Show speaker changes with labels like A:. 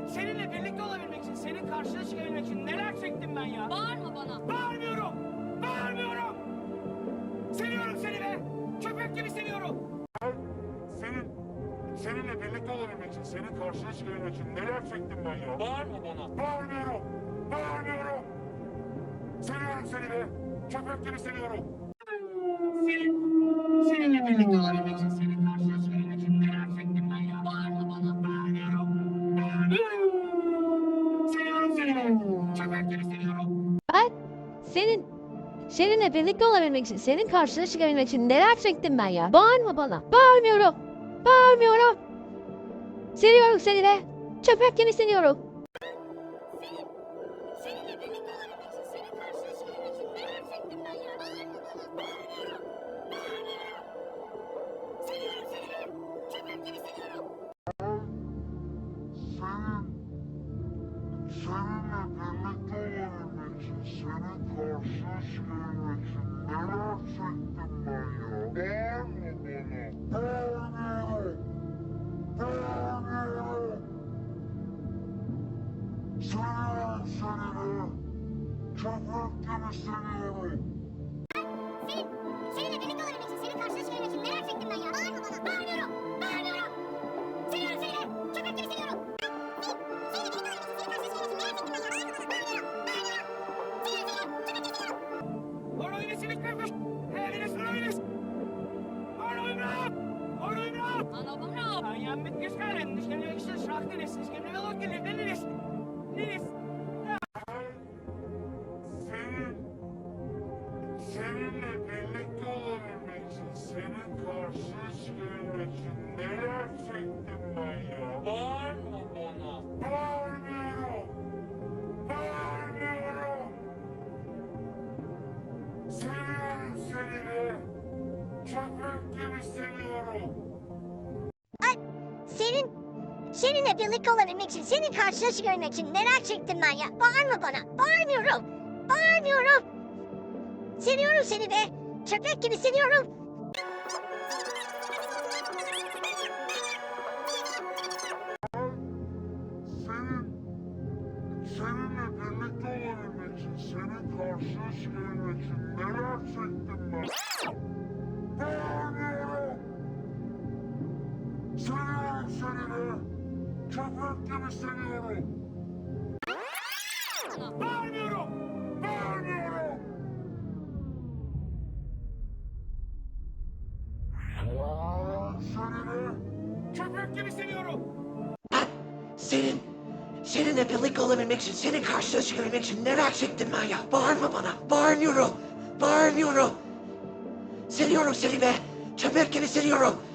A: Seninle birlikte olabilmek için, senin karşına çıkabilmek için neler çektim ben ya?
B: Bağırma bana.
A: Bağırmıyorum! Bağırmıyorum! Seviyorum seni be! Köpek gibi seviyorum!
C: Seninle birlikte olabilmek için, senin karşına çıkabilmek için neler çektim ben ya?
B: Bağırma bana.
C: Bağırmıyorum! Bağırmıyorum! Seviyorum seni be! Köpek gibi seviyorum!
A: Seninle birlikte olabilmek için, senin karşına çıkabilmek için neler çektim ben ya?
B: Bağırma bana.
A: Bağırmıyorum! Bağırmıyorum! Seviyorum seni be! Köpek gibi seviyorum!
D: Ben seninle birlikte olabilmek için, senin karşına çıkabilmek için neler çektim ben ya? Bağırma bana. Bağırmıyorum. Bağırmıyorum. Seviyorum seni be. Köpek gibi seviyorum.
B: Seninle birlikte olabilmek için, senin karşına çıkabilmek için neler çektim ben ya? Bağırma bana. Bağırmıyorum. Seviyorum seni. Köpek gibi seviyorum.
C: Seninle birlikte olabilmek için, senin karşına çıkabilmek için neler çektim ben ya? Bağırma bana! Bağırmıyorum! Bağırmıyorum! Seviyorum seni be! Köpek gibi seviyorum!
B: Seninle birlikte olabilmek için, senin karşına çıkabilmek için neler çektim ben ya? Bağırma bana. Bağırmıyorum. Bağırmıyorum. Seviyorum seni. Köpek gibi seviyorum.
A: Oynayışı bitmemiş! Evine sıra oynayış! Oynayın! Oynayın!
B: Ana bana.
A: Ayağım bitmiş galen, düşkemle işte şarkı nesin, düşkemle velok gelir, ne nesin?
C: Seninle birlikte olabilmek için, senin karşına çıkabilmek için neler çektim ben ya?
B: Bağırma bana.
C: Bağırmıyorum! Bağırmıyorum! Seviyorum seni be! Köpek gibi seviyorum!
E: Seninle birlikte olabilmek için, senin karşına çıkabilmek için neler çektim ben ya? Bağırma bana. Bağırmıyorum. Bağırmıyorum. Seviyorum seni be. Köpek gibi seviyorum.
C: Seninle birlikte olabilmek için, senin karşına çıkabilmek için neler çektim ben? Bağırmıyorum! Seviyorum seni be! Köpek gibi seviyorum!
A: Bağırmıyorum!
C: Bağırmıyorum! Seni be!
A: Köpek gibi seviyorum!
F: Seninle birlikte olabilmek için, senin karşına çıkabilmek için neler çektim ben ya? Bağırma bana, bağırmıyorum, bağırmıyorum. Seviyorum seni be, köpek gibi seviyorum.